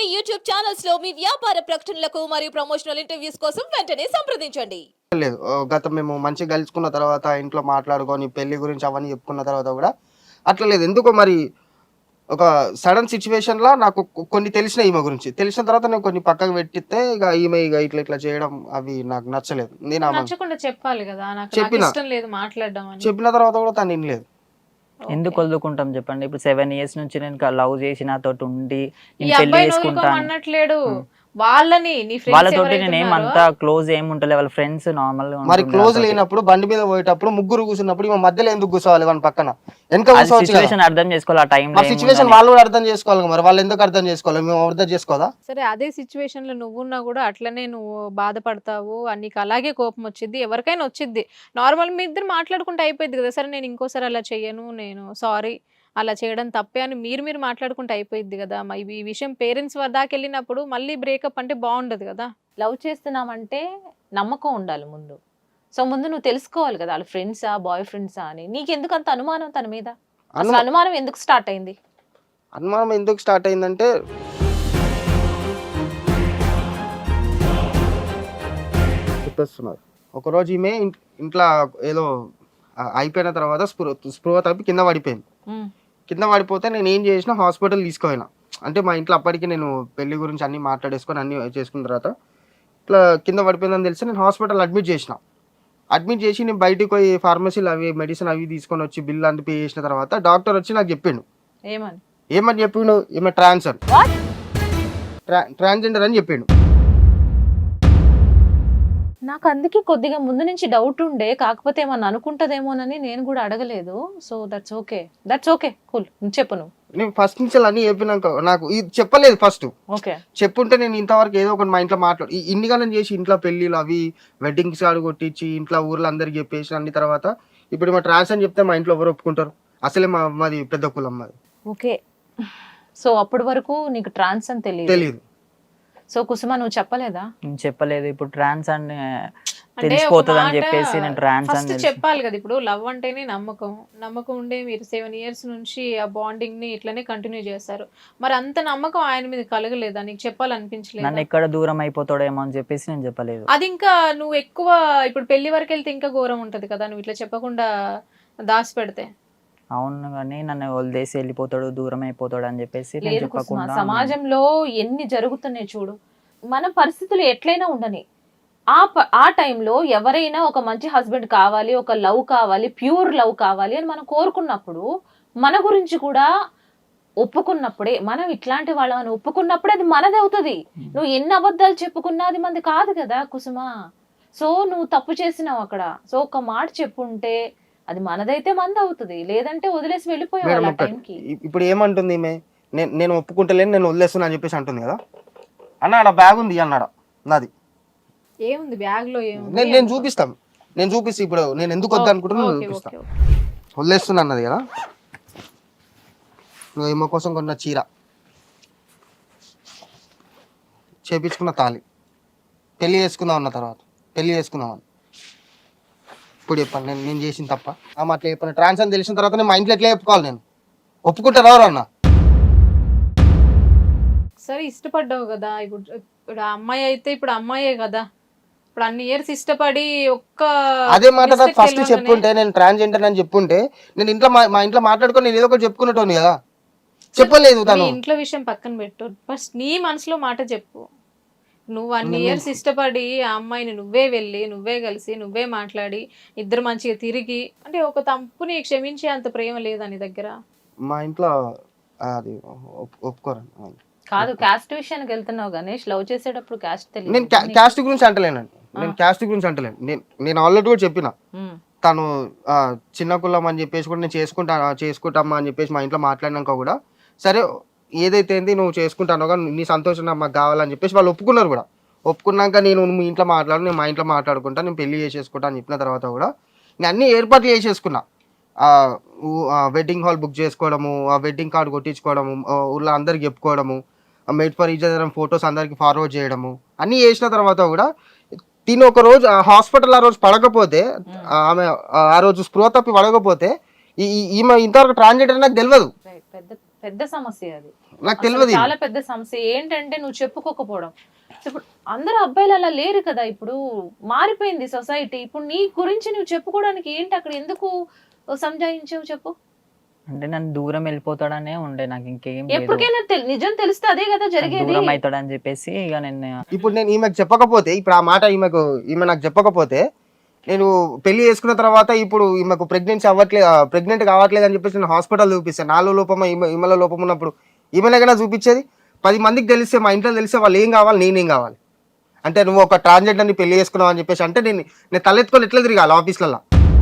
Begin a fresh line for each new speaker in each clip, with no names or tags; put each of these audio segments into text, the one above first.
YouTube channels లో మీ వ్యాపార ప్రకటనలకు మరియు ప్రమోషనల్ ఇంటర్వ్యూస్ కోసం వెంటనే సంప్రదించండి.
లేదు గత మేము మంచిగా కలుసుకున్న తర్వాత ఇంట్లో మాట్లాడుకొని పెళ్లి గురించి అవన్నీ చెప్పుకున్న తర్వాత కూడా అట్లా లేదు. ఎందుకో మరి ఒక సడన్ సిచ్యువేషన్ లా నాకు కొన్ని తెలిసిన ఈమె గురించి తెలిసిన తర్వాత నేను కొన్ని పక్కకు పెట్టితే ఈమె ఇట్లా ఇట్లా చేయడం అవి నాకు నచ్చలేదు. నేను ఆమె
నచ్చకుండా చెప్పాలి కదా, నాకు
చెప్పిన.
ఇష్టం లేదు మాట్లాడడం అని.
చెప్పిన తర్వాత కూడా తను వినలేదు.
ఎందుకు వదులుకుంటాం చెప్పండి. ఇప్పుడు 7 years నుంచి నేను లవ్ చేసి నాతోటి ఉండి
ఈ
నేను పెళ్లి
అబ్బాయి
చేసుకుంటాను
అన్నట్లేడు. వాళ్ళని నీ ఫ్రెండ్స్
వాళ్ళతోటి నేను ఏమంతా క్లోజ్ ఏముంటలే, వాళ్ళ ఫ్రెండ్స్ నార్మల్ గా
మరి క్లోజ్ లేనప్పుడు బండి మీద పోయేటప్పుడు ముగ్గురు కూర్చున్నప్పుడు ఈమె మధ్యలో ఎందుకు కూర్చోవాలి? వాళ్ళ పక్కన వెనక కూర్చోవచ్చు కదా.
సిచువేషన్ అర్థం చేసుకోవాలి. ఆ టైం
మరి సిచ్యువేషన్ వాళ్ళు కూడా అర్థం చేసుకోవాలి కదా. మరి వాళ్ళు ఎందుకు అర్థం చేసుకోవాలి? మేము అర్థం చేసుకోదా?
సరే, అదే సిచ్యువేషన్ లో నువ్వున్నా కూడా అట్లనే నువ్వు బాధపడతావు, నీకు అలాగే కోపం వచ్చింది, ఎవరికైనా వచ్చింది. నార్మల్ మీ ఇద్దరు మాట్లాడుకుంటే అయిపోయింది కదా. సరే నేను ఇంకోసారి అలా చెయ్యను, నేను సారీ, అలా చేయడం తప్పే అని మీరు మాట్లాడుకుంటే అయిపోయింది కదా. ఈ విషయం పేరెంట్స్ దాకా వెళ్ళినప్పుడు మళ్ళీ బ్రేకప్ అంటే బాగుండదు కదా.
లవ్ చేస్తున్నామంటే నమ్మకం ఉండాలి ముందు. సో ముందు నువ్వు తెలుసుకోవాలి కదా, వాళ్ళ ఫ్రెండ్సా బాయ్ ఫ్రెండ్సా అని. నీకెందుకు అంత అనుమానం తన మీద? అసలు అనుమానం ఎందుకు స్టార్ట్ అయింది?
అనుమానం ఎందుకు స్టార్ట్ అయిందంటే చెప్పేస్తున్నారు. ఒకరోజు ఈమె ఇంట్లో ఏదో అయిపోయిన తర్వాత స్పృహ తప్పి కింద పడిపోయింది. కింద పడిపోతే నేను ఏం చేసిన, హాస్పిటల్ తీసుకుపోయినా. అంటే మా ఇంట్లో అప్పటికి నేను పెళ్లి గురించి అన్ని మాట్లాడేసుకొని అన్ని చేసుకున్న తర్వాత ఇట్లా కింద పడిపోయిందని తెలిసి నేను హాస్పిటల్ అడ్మిట్ చేసిన. అడ్మిట్ చేసి నేను బయటకు పోయి ఫార్మసీలు అవి మెడిసిన్ అవి తీసుకొని వచ్చి బిల్ అంతా పే చేసిన తర్వాత డాక్టర్ వచ్చి నాకు చెప్పిండు. ఏమని చెప్పిండు? ఈమె ట్రాన్స్జెండర్ అని చెప్పిండు.
నాకు అందుకే కొద్దిగా ముందు నుంచి డౌట్ ఉండే, కాకపోతే ఏమన్నా అనుకుంటదేమోనని నేను కూడా అడగలేదు. So that's okay cool. చెప్పు నువ్వు.
నేను ఫస్ట్ నుంచి అన్ని చెప్పినాక నాకు ఇది చెప్పలేదు. ఫస్ట్
ఓకే
చెప్పుంటే నేను ఇంతవరకు ఏదో ఒకటి మా ఇంట్లో మాట్లాడు ఇన్నిగానం చేసి ఇంట్లో పెళ్లిలు అవి వెడ్డింగ్స్ కాడు కొట్టించి ఇంట్లో ఊర్లో అందరికి చెప్పేసి అన్ని తర్వాత ఇప్పుడు మా ట్రాన్స్ అని చెప్తే మా ఇంట్లో ఎవరు ఒప్పుకుంటారు? అసలే మాది పెద్ద కులం మాది.
ఓకే, సో అప్పటి వరకు నీకు ట్రాన్స్ అని తెలియదు. సో కుసుమ నువ్వు చెప్పలేదా?
చెప్పలేదు. ఇప్పుడు ట్రాన్స్ అని తెలిసిపోతుంది అని చెప్పేసి నేను ట్రాన్స్
ఫస్ట్
అని
చెప్పాలి కదా. ఇప్పుడు లవ్ అంటేనే నమ్మకం ఉండే మీరు 7 years నుంచి ఆ బాండింగ్ ని ఇట్లనే కంటిన్యూ చేస్తారు. మరి అంత నమ్మకం ఆయన మీద కలగలేదా? నీకు చెప్పాలనిపించలేదు?
నన్ను ఎక్కడ దూరం అయిపోతాడేమో అని చెప్పేసి నేను చెప్పలేదు.
అది ఇంకా నువ్వు ఎక్కువ ఇప్పుడు పెళ్లి వరకు వెళ్తే ఇంకా ఘోరం ఉంటది కదా, నువ్వు ఇట్లా చెప్పకుండా దాచి పెడితే.
అవును, కానీ నన్ను వదిలేసి వెళ్ళిపోతాడు, దూరం అయిపోతాడు అని చెప్పేసి నేను చెప్పకుండా.
సమాజంలో ఎన్ని జరుగుతున్నాయి చూడు. మన పరిస్థితులు ఎట్లయినా ఉండని, ఆ టైంలో ఎవరైనా ఒక మంచి హస్బెండ్ కావాలి, ఒక లవ్ కావాలి, ప్యూర్ లవ్ కావాలి అని మనం కోరుకున్నప్పుడు, మన గురించి కూడా ఒప్పుకున్నప్పుడే, మనం ఇట్లాంటి వాళ్ళని ఒప్పుకున్నప్పుడే అది మనది అవుతుంది. నువ్వు ఎన్ని అబద్ధాలు చెప్పుకున్నా అది మంది కాదు కదా కుసుమ. సో నువ్వు తప్పు చేసినావు అక్కడ. సో ఒక మాట చెప్పుంటే అది మనదైతే మంది అవుతుంది, లేదంటే వదిలేసి వెళ్ళిపోయావు టైంకి.
ఇప్పుడు ఏమంటుంది ఈమె? నేను ఒప్పుకుంటలేను, నేను వదిలేస్తున్నా అని చెప్పేసి అంటుంది కదా. అన్నాడ బ్యాగ్ ఉంది అన్నాడ నాది.
ఏముంది బ్యాగ్ లో? ఏముంది?
నేను చూపిస్తాను. ఇప్పుడు నేను ఎందుకు వద్దు అనుకుంటున్నా చూపిస్తాను. వదిలేస్తున్నా అన్నది కదా. ఈమె కోసం కొన్న చీర, చేపించుకున్న తాళి, పెళ్లి చేసుకుందాం అన్న తర్వాత పెళ్లి చేసుకుందామని ఇప్పుడు చెప్పాను. నేను చేసిన తప్ప ఆమె అట్లా చెప్పాను. ట్రాన్స్ అని తెలిసిన తర్వాత నేను మా ఇంట్లో ఎట్లా చెప్పుకోవాలి? నేను ఒప్పుకుంటారు ఎవరు అన్న?
సరే ఇష్టపడ్డావు కదా. ఇప్పుడు అమ్మాయి అయితే ఇప్పుడు అమ్మాయే కదా. ఇప్పుడు అన్ని ఇయర్స్ ఇష్టపడి
అదే మాట నాకు ఫస్ట్ చెప్పుంటే, నేను ట్రాన్స్జెండర్ అని చెప్పుంటే నేను ఇంట్లో మా ఇంట్లో మాట్లాడుకొని నేను ఏదో ఒకటి చెప్పుకునేటోని కదా. చెప్పలేదు. తను
ఇంట్లో విషయం పక్కన పెట్టు, ఫస్ట్ నీ మనసులో మాట చెప్పు. నువ్వు అన్ని ఇయర్స్ ఇష్టపడి ఆ అమ్మాయిని నువ్వే వెళ్ళి, నువ్వే కలిసి, నువ్వే మాట్లాడి, ఇద్దరు మంచిగా తిరిగి, అంటే ఒక తప్పుని క్షమించే అంత ప్రేమ లేదా నీ దగ్గర?
మా ఇంట్లో అది ఒప్పుకోరండి.
కాదు, క్యాస్ట్ విషయానికి వెళ్తున్నావు గణేష్. లవ్ చేసేటప్పుడు క్యాస్ట్ తెలియదు.
నేను క్యాస్ట్ గురించి అంటలేనండి. నేను ఆల్రెడీ కూడా చెప్పిన, తను చిన్న కులం అని చెప్పేసి కూడా నేను చేసుకుంటామా అని చెప్పేసి మా ఇంట్లో మాట్లాడినాక కూడా సరే ఏదైతే ఏంది నువ్వు చేసుకుంటానో కానీ నీ సంతోషం మాకు కావాలని చెప్పేసి వాళ్ళు ఒప్పుకున్నారు కూడా. ఒప్పుకున్నాక నేను మీ ఇంట్లో నేను మా ఇంట్లో మాట్లాడుకుంటా, నేను పెళ్లి చేసేసుకుంటా అని చెప్పిన తర్వాత కూడా నేను అన్ని ఏర్పాట్లు చేసేసుకున్నా. వెడ్డింగ్ హాల్ బుక్ చేసుకోవడము, ఆ వెడ్డింగ్ కార్డు కొట్టించుకోవడము, ఊళ్ళో అందరికి చెప్పుకోవడము, made for each other photos అందరికి ఫార్వర్డ్ చేయడము అన్నీ చేసిన తర్వాత కూడా తిని ఒక రోజు హాస్పిటల్ ఆ రోజు పడకపోతే, ఆమె ఆ రోజు స్పృహ తప్పి పడకపోతే ఈమె ఇంతవరకు ట్రాన్స్జెండర్ నాకు తెలియదు.
పెద్ద సమస్య అది.
నాకు
అసలు
తెలియదు.
చాలా పెద్ద సమస్య ఏంటంటే నువ్వు చెప్పుకోకపోవడం. ఇప్పుడు అందరూ అబ్బాయిలు అలా లేరు కదా, ఇప్పుడు మారిపోయింది సొసైటీ. ఇప్పుడు నీ గురించి నువ్వు చెప్పుకోవడానికి ఏంటి అక్కడ ఎందుకు సంజాయించావు చెప్పు?
అంటే నన్ను దూరం వెళ్ళిపోతాడనే ఉండే, నాకు ఇంకేం లేదు.
ఎప్పటికైనా నిజం తెలిస్తే అదే కదా జరిగేది.
దూరం అవుతాడని చెప్పేసి ఇక నేను
ఇప్పుడు నేను ఈమెకు చెప్పకపోతే, ఇప్పుడు ఆ మాట ఈమె నాకు చెప్పకపోతే, నేను పెళ్లి చేసుకున్న తర్వాత ఇప్పుడు ఈమెకు ప్రెగ్నెంట్ కావట్లేదు అని చెప్పేసి నేను హాస్పిటల్ చూపిస్తాను. నాలో లోపం ఈమెలో లోపం ఉన్నప్పుడు ఈమెనైనా చూపించేది. 10 మందికి తెలిస్తే, మా ఇంట్లో తెలిస్తే వాళ్ళు ఏం కావాలి, నేనేం కావాలి అంటే నువ్వు ఒక ట్రాన్స్జెండర్ని పెళ్లి చేసుకున్నావు అని చెప్పేసి అంటే నేను తలెత్తుకొని ఎట్లా తిరగాలి ఆఫీస్లలో?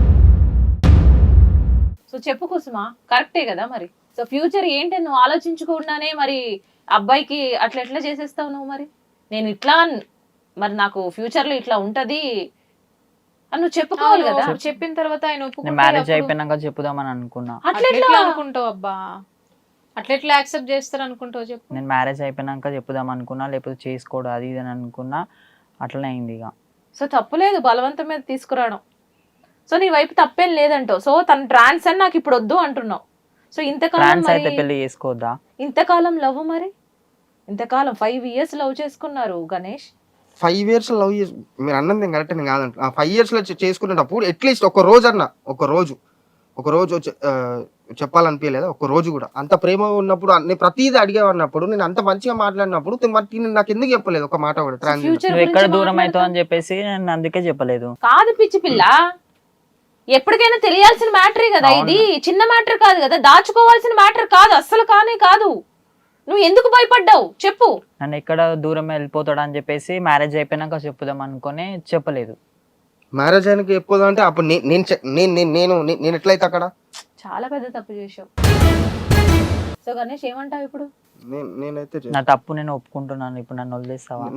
సో చెప్పు కుసుమా, కరెక్టే కదా మరి. సో ఫ్యూచర్ ఏంటి నువ్వు ఆలోచించుకుండానే మరి అబ్బాయికి అట్లా ఎట్లా చేసేస్తావు నువ్వు? మరి నేను ఇట్లా మరి నాకు ఫ్యూచర్ లో ఇట్లా ఉంటది అని నువ్వు చెప్పుకోవాలి కదా.
చెప్పిన తర్వాత ఆయన
నేను
ఒప్పుకుంటే
మ్యారేజ్
అప్పుడు
అయిపోయినాక చెప్పుదామని అనుకున్నా.
అట్లా
అట్లా
ఎట్లా?
అనుకుంటావు అబ్బా? అట్లా ఎట్లా యాక్సెప్ట్ చేస్తారు అనుకుంటావు చెప్పు?
నేను మ్యారేజ్ అయిపోయినాక చెప్పుదాం అనుకున్నా, లేకపోతే చేసుకోడు అది ఇది అని అనుకున్నా. అట్లనే అయింది ఇక.
సో తప్పులేదు బలవంతం మీద తీసుకురావడం. సో నీ వైపు తప్పేం లేదంటావు. సో తన ట్రాన్స్ అని నాకు ఇప్పుడు వద్దు అంటున్నావు. సో ఇంతకాలం
ట్రాన్స్ అయితే
మరి
పెళ్లి చేసుకోవద్దా?
ఇంతకాలం లవ్, మరి ఇంతకాలం 5 years లవ్ చేసుకున్నారు గణేష్.
5 years లవ్ చేసి మీరు అన్నది కరెక్ట్ నేను కాదంట. 5 years లో చేసుకునేటప్పుడు అట్లీస్ట్ ఒక రోజు అన్న, ఒక రోజు చెప్పాలనిపించలేదా? ఒక రోజు కూడా అంత ప్రేమ ఉన్నప్పుడు నేను ప్రతిదీ అడిగేవన్నప్పుడు, నేను అంత మంచిగా మాట్లాడినప్పుడు నాకు ఎందుకు చెప్పలేదు ఒక మాట కూడా? ట్రాన్స్
ఫ్యూచర్
నువ్వు ఎక్కడ దూరం అవుతావు అని చెప్పేసి నేను అందుకే చెప్పలేదు.
కాదు పిచ్చి పిల్ల, ఎప్పటికైనా తెలియాల్సిన మ్యాటరే కదా ఇది. చిన్న మ్యాటర్ కాదు కదా, దాచుకోవాల్సిన మ్యాటర్ కాదు, అస్సలు కానే కాదు. నువ్వు ఎందుకు భయపడ్డావు చెప్పు?
నన్ను ఎక్కడ దూరం వెళ్ళిపోతాడు అని చెప్పేసి మ్యారేజ్ అయిపోయినాక చెప్పుదాం అనుకుని చెప్పలేదు.
మ్యారేజ్ అయినకి చెప్పదు అంటే అప్పుడు నేను ఎట్లయితే అక్కడ
చాలా పెద్ద తప్పు చేసావు. సో గణేష్ ఏమంటావు ఇప్పుడు?
నేనైతే
నా తప్పు నేను ఒప్పుకుంటున్నాను. ఇప్పుడు నన్ను వదిలేస్తావా?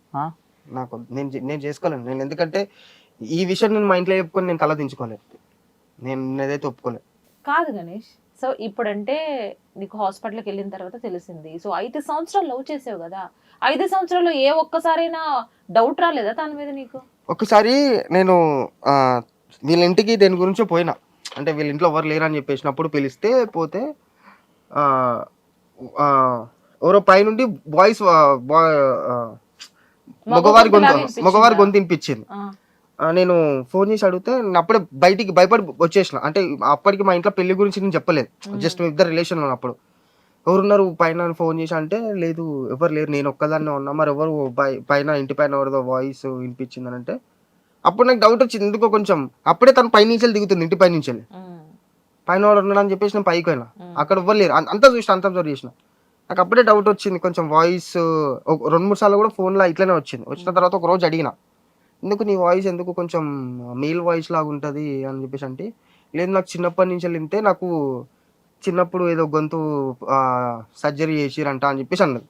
నేను చేసుకోలేను. నేను ఎందుకంటే ఈ విషయం నేను మా ఇంట్లో చెప్పుకొని నేను తల దించుకోలేదు. నేను ఏదైతే ఒప్పుకోలేదు.
కాదు గణేష్, సో ఇప్పుడంటే నీకు హాస్పిటల్కి వెళ్ళిన తర్వాత తెలిసింది. సో 5 సంవత్సరాలు లవ్ చేసావు కదా, 5 సంవత్సరాల్లో ఏ ఒక్కసారైనా డౌట్ రాలేదా తన మీద నీకు?
ఒకసారి నేను వీళ్ళ ఇంటికి దేని గురించో పోయినా, అంటే వీళ్ళ ఇంట్లో ఎవరు లేరని చెప్పేసినప్పుడు పిలిస్తే పోతే ఎవరో పైనుండి బాయ్స్ మగవారి గొంతు వినిపించింది. నేను ఫోన్ చేసి అడిగితే నేను అప్పుడే బయటికి భయపడి వచ్చేసిన. అంటే అప్పటికి మా ఇంట్లో పెళ్లి గురించి నేను చెప్పలేదు, జస్ట్ ఇద్దరు రిలేషన్ ఉన్నప్పుడు. ఎవరున్నారు పైన ఫోన్ చేసి అంటే లేదు ఎవరు లేరు, నేను ఒక్కదాన్నే ఉన్నా. మరి ఎవరు పైన ఇంటి పైన ఎవరిదో వాయిస్ వినిపించింది అని అంటే అప్పుడు నాకు డౌట్ వచ్చింది ఎందుకో కొంచెం. అప్పుడే తను పై నుంచి దిగుతుంది, ఇంటి పై నుంచి పైన వాడు ఉన్నాడు అని చెప్పేసి నేను పైకి పోయినా. అక్కడ ఎవరు లేరు, అంతా చూసిన, అంతా అబ్జర్వ్ చేసిన. నాకు అప్పుడే డౌట్ వచ్చింది కొంచెం. వాయిస్ 2-3 సార్లు కూడా ఫోన్లో ఇట్లనే వచ్చింది. వచ్చిన తర్వాత ఒక రోజు అడిగిన, ఎందుకు నీ వాయిస్ ఎందుకు కొంచెం మేల్ వాయిస్ లాగా ఉంటుంది అని చెప్పేసి అంటే, లేదు నాకు చిన్నప్పటి నుంచి వెళ్తే నాకు చిన్నప్పుడు ఏదో గొంతు సర్జరీ చేసిరంట అని చెప్పేసి అన్నది.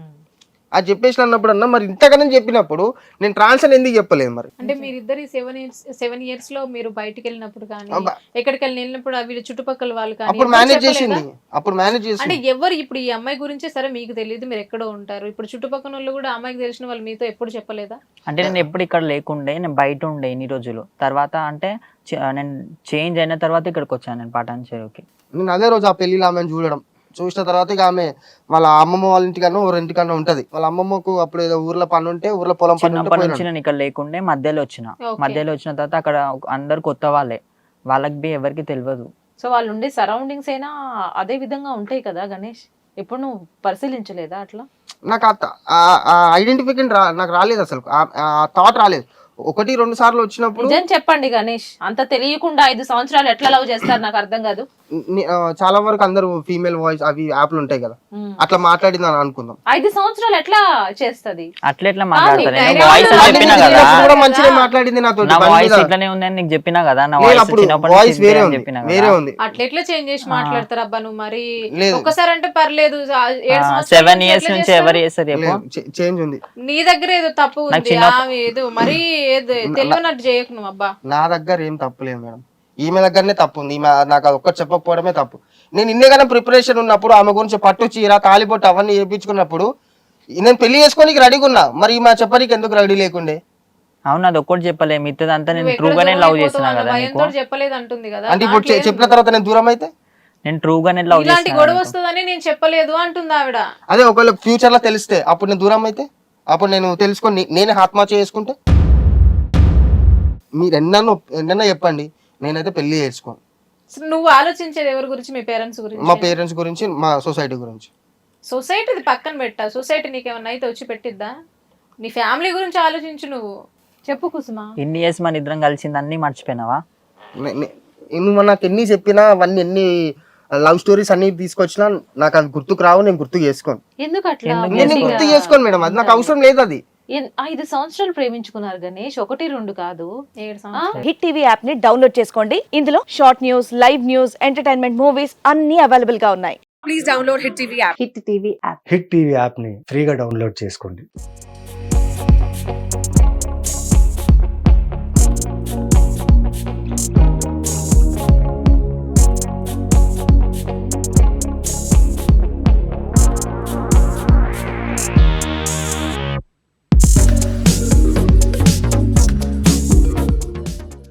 అది చెప్పేసి అన్నప్పుడు అన్న మరి ఇంతకన్నా చెప్పినప్పుడు నేను ట్రాన్స్ అని ఎందుకు చెప్పలేదు? మరి
అంటే మీరిద్దరు 7 years లో మీరు బయటికి వెళ్ళినప్పుడు కానీ ఎక్కడికి వెళ్ళినప్పుడు వీళ్ళ చుట్టుపక్కల వాళ్ళు కానీ
అప్పుడు మేనేజ్ చేసింది, అప్పుడు మేనేజ్ చేసింది.
అంటే ఎవరు ఇప్పుడు ఈ అమ్మాయి గురించే సరే మీకు తెలియదు, మీరు ఎక్కడో ఉంటారు, ఇప్పుడు చుట్టుపక్కల వాళ్ళు కూడా అమ్మాయికి తెలిసిన వాళ్ళు మీతో ఎప్పుడు చెప్పలేదా?
అంటే నేను ఎప్పుడు ఇక్కడ లేకుండే, నేను బయట ఉండే ఇన్ని రోజులు. తర్వాత అంటే నేను చేంజ్ అయిన తర్వాత ఇక్కడికి వచ్చాను నేను పటాన్ చెరువుకి.
నేను అదే రోజు ఆ పెళ్లిలో ఆమెను చూసిన తర్వాత ఇక ఆమె వాళ్ళ అమ్మమ్మ వాళ్ళ ఇంటికన్నా ఇంటికన్నా ఉంటది. వాళ్ళ అమ్మమ్మకు అప్పుడు ఏదో ఊర్లో పని ఉంటే, ఊర్లో పొలం పని
చిన్నప్పటి నుంచి నేను ఇక్కడ లేకుండే మధ్యలో వచ్చిన తర్వాత అక్కడ అందరు కొత్త వాళ్ళే, వాళ్ళకి ఎవరికి తెలియదు.
సో వాళ్ళు ఉండే సరౌండింగ్స్ అయినా అదే విధంగా ఉంటాయి కదా గణేష్, ఎప్పుడు నువ్వు పరిశీలించలేదా అట్లా?
నాకు ఐడెంటిఫికేషన్ నాకు రాలేదు, అసలు ఆ థాట్ రాలేదు. 1-2 సార్లు వచ్చినప్పుడు
నిజం చెప్పండి గణేష్, అంత తెలియకుండా 5 సంవత్సరాలు ఎట్లా లవ్ చేస్తారు నాకు అర్థం కాదు.
చాలా వరకు అందరూ ఫీమేల్ వాయిస్ అవి యాప్లు ఉంటాయి కదా, అట్లా మాట్లాడింది అని అనుకుందాం.
5 సంవత్సరాలు ఎట్లా చేస్తది?
అట్లా మాట్లాడతాను. వాయిస్ చెప్పినా కదా,
కూడా మంచిగా మాట్లాడింది నాతో.
నా వాయిస్ ఇట్లానే ఉందని నీకు చెప్పినా కదా, నా వాయిస్
వేరే ఉంది.
అట్లా ఎట్లా చేంజ్ చేసి మాట్లాడతారు అబ్బా నువ్వు? మరి ఒక్కసారి అంటే పర్లేదు,
7 years నుంచి ఎవరు చేస్తారు?
చేంజ్ ఉంది.
నీ దగ్గర ఏదో తప్పు ఉంది, ఏదో మరి తెలియనట్టు చేయకు నువ్వు. అబ్బా
నా దగ్గర ఏం తప్పు లేదు మేడం, ఈమె దగ్గరనే తప్పు ఉంది. ఈమె నాకు అది ఒక్కటి చెప్పకపోవడమే తప్పు. నేను ఇన్నేగానే ప్రిపరేషన్ ఉన్నప్పుడు ఆమె గురించి పట్టు చీర తాలిబొట్టు అవన్నీ చేయించుకున్నప్పుడు నేను పెళ్లి చేసుకోనికి రెడీగా ఉన్నా, మరి ఈమె చెప్పడానికి ఎందుకు రెడీ లేకుండే?
అవును, అది ఒక్కటి చెప్పలే, మిగతాదంతా నేను ట్రూగానే లవ్ చేస్తున్నా కదా.
చెప్పలేదు అంటుంది కదా.
అంటే ఇప్పుడు చెప్పిన తర్వాత నేను దూరం అయితే
నేను ట్రూగానే లవ్
ఇలాంటి గొడవ
చేస్తాను.
వస్తుందని నేను చెప్పలేదు అంటుంది ఆవిడ.
అదే ఒకవేళ ఫ్యూచర్ లో తెలిస్తే అప్పుడు నేను దూరం అయితే, అప్పుడు నేను తెలుసుకొని నేనే ఆత్మహత్య చేసుకుంటే, మీరు ఎన్నన్నా చెప్పండి, నేనైతే పెళ్లి చేసుకోను.
అసలు నువ్వు ఆలోచించేది ఎవరి గురించి? మీ పేరెంట్స్
మా
గురించి?
పేరెంట్స్ గురించి, మా సొసైటీ గురించి.
సొసైటీది పక్కన పెట్టా, సొసైటీ నీకేమన్నా అయితే వచ్చి పెట్టిద్దా? నీ ఫ్యామిలీ గురించి ఆలోచించు నువ్వు.
చెప్పు కుసుమ.
ఇన్ని ఇయర్స్ మన ఇద్దరం కలిసింది అన్ని మర్చిపోయినావా?
నువ్వు నాకు ఎన్ని చెప్పినా, అవన్నీ ఎన్ని లవ్ స్టోరీస్ అన్ని తీసుకొచ్చినా నాకు అది గుర్తుకు రావు, నేను గుర్తు చేసుకోను.
ఎందుకు అట్లా?
ఎందుకు
నేను గుర్తు చేసుకోను మేడం, అది నాకు అవసరం లేదు. అది
5 సంవత్సరాలు ప్రేమించుకున్నారు గణేష్, 1 2 కాదు.
7 సంవత్సరాలు.
హిట్ టీవీ యాప్ ని డౌన్లోడ్ చేసుకోండి. ఇందులో short news, live news, entertainment movies అన్ని అవైలబుల్ గా ఉన్నాయి.
హిట్ టీవీ యాప్ని ఫ్రీగా డౌన్లోడ్ చేసుకోండి.